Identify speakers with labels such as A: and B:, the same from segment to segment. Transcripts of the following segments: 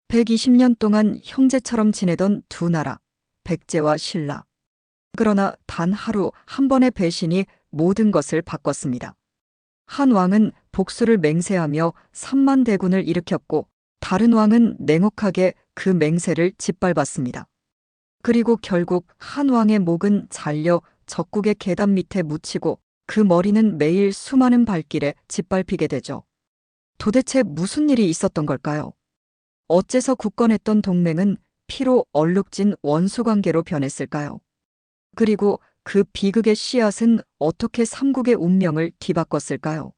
A: 120년 동안 형제처럼 지내던 두 나라, 백제와 신라. 그러나 단 하루 한 번의 배신이 모든 것을 바꿨습니다. 한 왕은 복수를 맹세하며 3만 대군을 일으켰고 다른 왕은 냉혹하게 그 맹세를 짓밟았습니다. 그리고 결국 한 왕의 목은 잘려 적국의 계단 밑에 묻히고 그 머리는 매일 수많은 발길에 짓밟히게 되죠. 도대체 무슨 일이 있었던 걸까요? 어째서 굳건했던 동맹은 피로 얼룩진 원수관계로 변했을까요? 그리고 그 비극의 씨앗은 어떻게 삼국의 운명을 뒤바꿨을까요?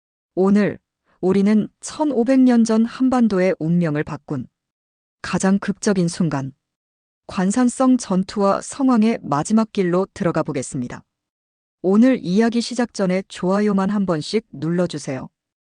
A: 오늘 우리는 1500년 전 한반도의 운명을 바꾼 가장 극적인 순간, 관산성 전투와 성왕의 마지막 길로 들어가 보겠습니다. 오늘 이야기 시작 전에 좋아요만 한 번씩 눌러주세요.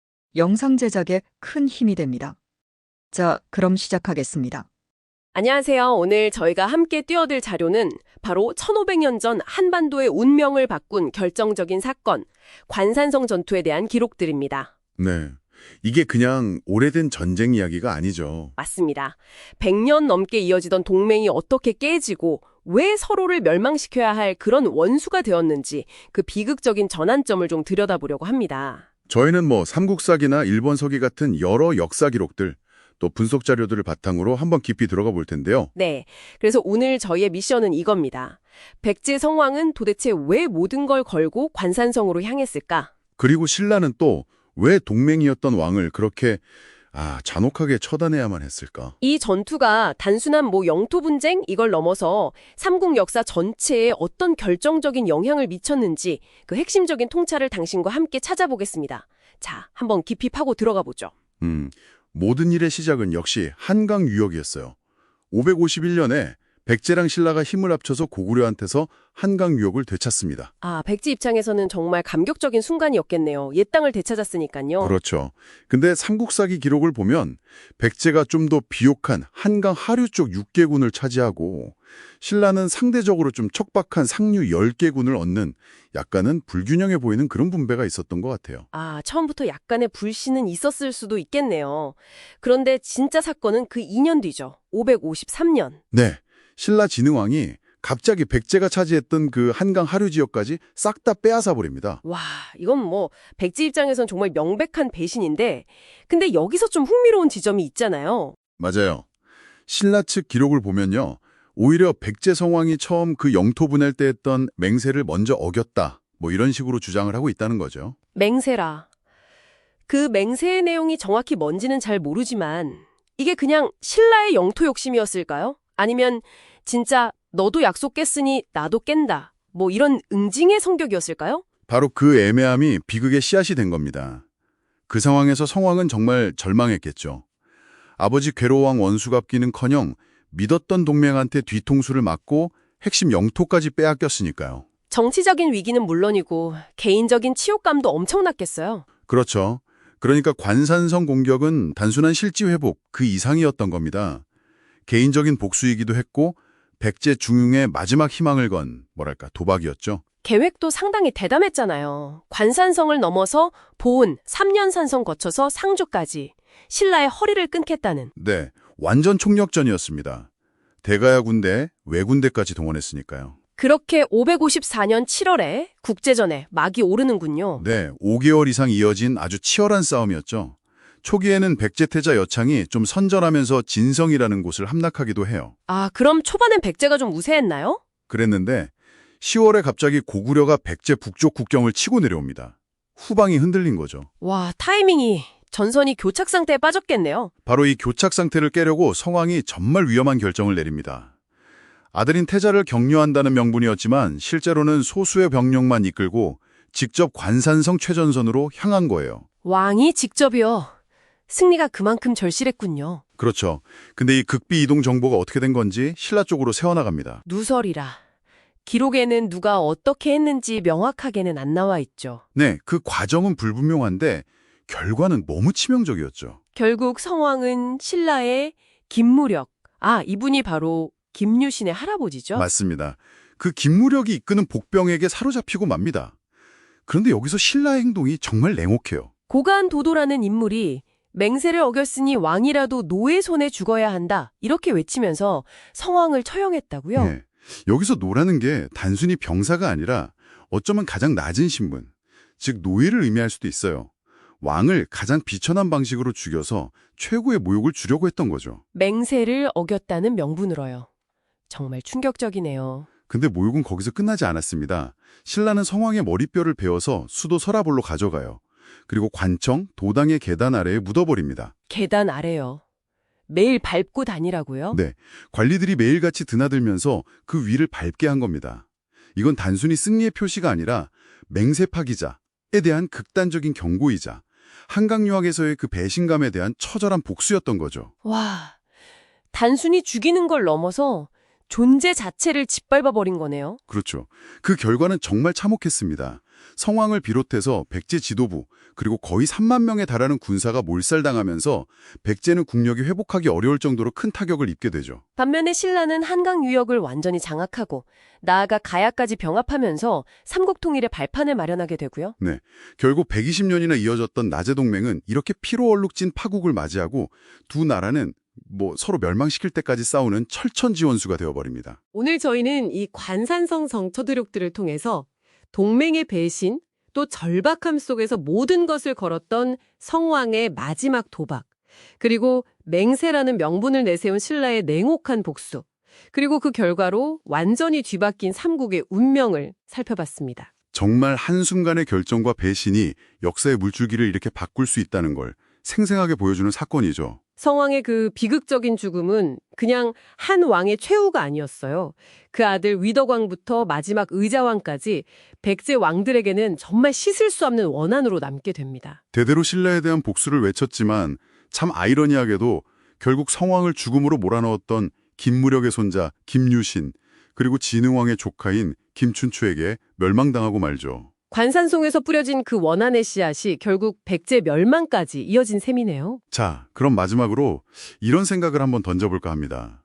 A: 영상 제작에 큰 힘이 됩니다. 자, 그럼 시작하겠습니다.
B: 안녕하세요. 오늘 저희가 함께 뛰어들 자료는 바로 1500년 전 한반도의 운명을 바꾼 결정적인 사건, 관산성 전투에 대한 기록들입니다.
C: 네. 이게 그냥 오래된 전쟁 이야기가 아니죠.
B: 맞습니다. 100년 넘게 이어지던 동맹이 어떻게 깨지고 왜 서로를 멸망시켜야 할 그런 원수가 되었는지 그 비극적인 전환점을 좀 들여다보려고 합니다.
C: 저희는 삼국사기나 일본서기 같은 여러 역사 기록들, 또 분석 자료들을 바탕으로 한번 깊이 들어가 볼 텐데요.
B: 네. 그래서 오늘 저희의 미션은 이겁니다. 백제 성왕은 도대체 왜 모든 걸 걸고 관산성으로 향했을까?
C: 그리고 신라는 또 왜 동맹이었던 왕을 그렇게 잔혹하게 처단해야만 했을까?
B: 이 전투가 단순한 영토 분쟁 이걸 넘어서 삼국 역사 전체에 어떤 결정적인 영향을 미쳤는지 그 핵심적인 통찰을 당신과 함께 찾아보겠습니다. 자, 한번 깊이 파고 들어가 보죠.
C: 모든 일의 시작은 역시 한강 유역이었어요. 551년에 백제랑 신라가 힘을 합쳐서 고구려한테서 한강 유역을 되찾습니다.
B: 백제 입장에서는 정말 감격적인 순간이었겠네요. 옛 땅을 되찾았으니까요.
C: 그렇죠. 근데 삼국사기 기록을 보면 백제가 좀 더 비옥한 한강 하류 쪽 6개군을 차지하고 신라는 상대적으로 좀 척박한 상류 10개군을 얻는 약간은 불균형해 보이는 그런 분배가 있었던 것 같아요.
B: 처음부터 약간의 불신은 있었을 수도 있겠네요. 그런데 진짜 사건은 그 2년 뒤죠. 553년.
C: 네. 신라 진흥왕이 갑자기 백제가 차지했던 그 한강 하류 지역까지 싹 다 빼앗아 버립니다.
B: 와, 이건 백제 입장에선 정말 명백한 배신인데 근데 여기서 좀 흥미로운 지점이 있잖아요.
C: 맞아요. 신라 측 기록을 보면요. 오히려 백제 성왕이 처음 그 영토 분할 때 했던 맹세를 먼저 어겼다. 이런 식으로 주장을 하고 있다는 거죠.
B: 맹세라. 그 맹세의 내용이 정확히 뭔지는 잘 모르지만 이게 그냥 신라의 영토 욕심이었을까요? 아니면 진짜 너도 약속 깼으니 나도 깬다. 이런 응징의 성격이었을까요?
C: 바로 그 애매함이 비극의 씨앗이 된 겁니다. 그 상황에서 성왕은 정말 절망했겠죠. 아버지 괴로왕 원수갚기는커녕 믿었던 동맹한테 뒤통수를 맞고 핵심 영토까지 빼앗겼으니까요.
B: 정치적인 위기는 물론이고 개인적인 치욕감도 엄청났겠어요.
C: 그렇죠. 그러니까 관산성 공격은 단순한 실지 회복 그 이상이었던 겁니다. 개인적인 복수이기도 했고 백제 중흥의 마지막 희망을 건 도박이었죠.
B: 계획도 상당히 대담했잖아요. 관산성을 넘어서 보은 3년 산성 거쳐서 상주까지 신라의 허리를 끊겠다는.
C: 네, 완전 총력전이었습니다. 대가야 군대, 왜군대까지 동원했으니까요.
B: 그렇게 554년 7월에 국제전에 막이 오르는군요.
C: 네, 5개월 이상 이어진 아주 치열한 싸움이었죠. 초기에는 백제태자 여창이 좀 선전하면서 진성이라는 곳을 함락하기도 해요.
B: 그럼 초반엔 백제가 좀 우세했나요?
C: 그랬는데 10월에 갑자기 고구려가 백제 북쪽 국경을 치고 내려옵니다. 후방이 흔들린 거죠.
B: 와, 타이밍이 전선이 교착 상태에 빠졌겠네요.
C: 바로 이 교착 상태를 깨려고 성왕이 정말 위험한 결정을 내립니다. 아들인 태자를 격려한다는 명분이었지만 실제로는 소수의 병력만 이끌고 직접 관산성 최전선으로 향한 거예요.
B: 왕이 직접이요. 승리가 그만큼 절실했군요.
C: 그렇죠. 근데 이 극비 이동 정보가 어떻게 된 건지 신라 쪽으로 새어나갑니다.
B: 누설이라. 기록에는 누가 어떻게 했는지 명확하게는 안 나와 있죠.
C: 네, 그 과정은 불분명한데 결과는 너무 치명적이었죠.
B: 결국 성왕은 신라의 김무력, 이분이 바로 김유신의 할아버지죠?
C: 맞습니다. 그 김무력이 이끄는 복병에게 사로잡히고 맙니다. 그런데 여기서 신라의 행동이 정말 냉혹해요.
B: 고간 도도라는 인물이 맹세를 어겼으니 왕이라도 노의 손에 죽어야 한다. 이렇게 외치면서 성왕을 처형했다고요?
C: 네. 여기서 노라는 게 단순히 병사가 아니라 어쩌면 가장 낮은 신분, 즉 노예를 의미할 수도 있어요. 왕을 가장 비천한 방식으로 죽여서 최고의 모욕을 주려고 했던 거죠.
B: 맹세를 어겼다는 명분으로요. 정말 충격적이네요.
C: 근데 모욕은 거기서 끝나지 않았습니다. 신라는 성왕의 머리뼈를 베어서 수도 서라볼로 가져가요. 그리고 관청, 도당의 계단 아래에 묻어버립니다.
B: 계단 아래요. 매일 밟고 다니라고요?
C: 네, 관리들이 매일같이 드나들면서 그 위를 밟게 한 겁니다. 이건 단순히 승리의 표시가 아니라 맹세 파기자에 대한 극단적인 경고이자 한강 유학에서의 그 배신감에 대한 처절한 복수였던 거죠.
B: 와, 단순히 죽이는 걸 넘어서 존재 자체를 짓밟아버린 거네요.
C: 그렇죠. 그 결과는 정말 참혹했습니다. 성왕을 비롯해서 백제 지도부 그리고 거의 3만 명에 달하는 군사가 몰살당하면서 백제는 국력이 회복하기 어려울 정도로 큰 타격을 입게 되죠.
B: 반면에 신라는 한강 유역을 완전히 장악하고 나아가 가야까지 병합하면서 삼국통일의 발판을 마련하게 되고요.
C: 네, 결국 120년이나 이어졌던 나제 동맹은 이렇게 피로 얼룩진 파국을 맞이하고 두 나라는 서로 멸망시킬 때까지 싸우는 철천지원수가 되어버립니다.
D: 오늘 저희는 이 관산성 정처드력들을 통해서 동맹의 배신, 또 절박함 속에서 모든 것을 걸었던 성왕의 마지막 도박, 그리고 맹세라는 명분을 내세운 신라의 냉혹한 복수, 그리고 그 결과로 완전히 뒤바뀐 삼국의 운명을 살펴봤습니다.
C: 정말 한순간의 결정과 배신이 역사의 물줄기를 이렇게 바꿀 수 있다는 걸 생생하게 보여주는 사건이죠.
D: 성왕의 그 비극적인 죽음은 그냥 한 왕의 최후가 아니었어요. 그 아들 위덕왕부터 마지막 의자왕까지 백제 왕들에게는 정말 씻을 수 없는 원한으로 남게 됩니다.
C: 대대로 신라에 대한 복수를 외쳤지만 참 아이러니하게도 결국 성왕을 죽음으로 몰아넣었던 김무력의 손자 김유신 그리고 진흥왕의 조카인 김춘추에게 멸망당하고 말죠.
D: 관산송에서 뿌려진 그 원한의 씨앗이 결국 백제 멸망까지 이어진 셈이네요.
C: 자, 그럼 마지막으로 이런 생각을 한번 던져볼까 합니다.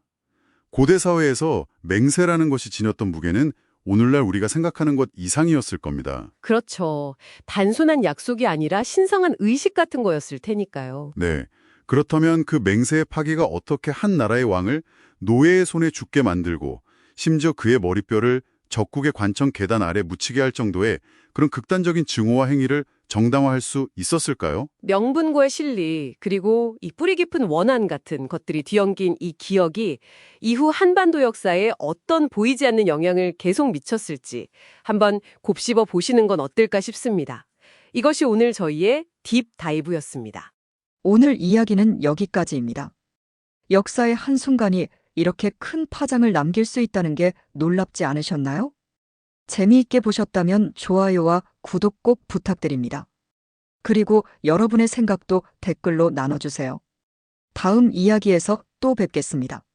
C: 고대 사회에서 맹세라는 것이 지녔던 무게는 오늘날 우리가 생각하는 것 이상이었을 겁니다.
D: 그렇죠. 단순한 약속이 아니라 신성한 의식 같은 거였을 테니까요.
C: 네. 그렇다면 그 맹세의 파기가 어떻게 한 나라의 왕을 노예의 손에 죽게 만들고 심지어 그의 머리뼈를 적국의 관청 계단 아래 묻히게 할 정도의 그런 극단적인 증오와 행위를 정당화할 수 있었을까요?
D: 명분과의 실리, 그리고 이 뿌리 깊은 원한 같은 것들이 뒤엉긴 이 기억이 이후 한반도 역사에 어떤 보이지 않는 영향을 계속 미쳤을지 한번 곱씹어 보시는 건 어떨까 싶습니다. 이것이 오늘 저희의 딥 다이브였습니다.
A: 오늘 이야기는 여기까지입니다. 역사의 한순간이 이렇게 큰 파장을 남길 수 있다는 게 놀랍지 않으셨나요? 재미있게 보셨다면 좋아요와 구독 꼭 부탁드립니다. 그리고 여러분의 생각도 댓글로 나눠주세요. 다음 이야기에서 또 뵙겠습니다.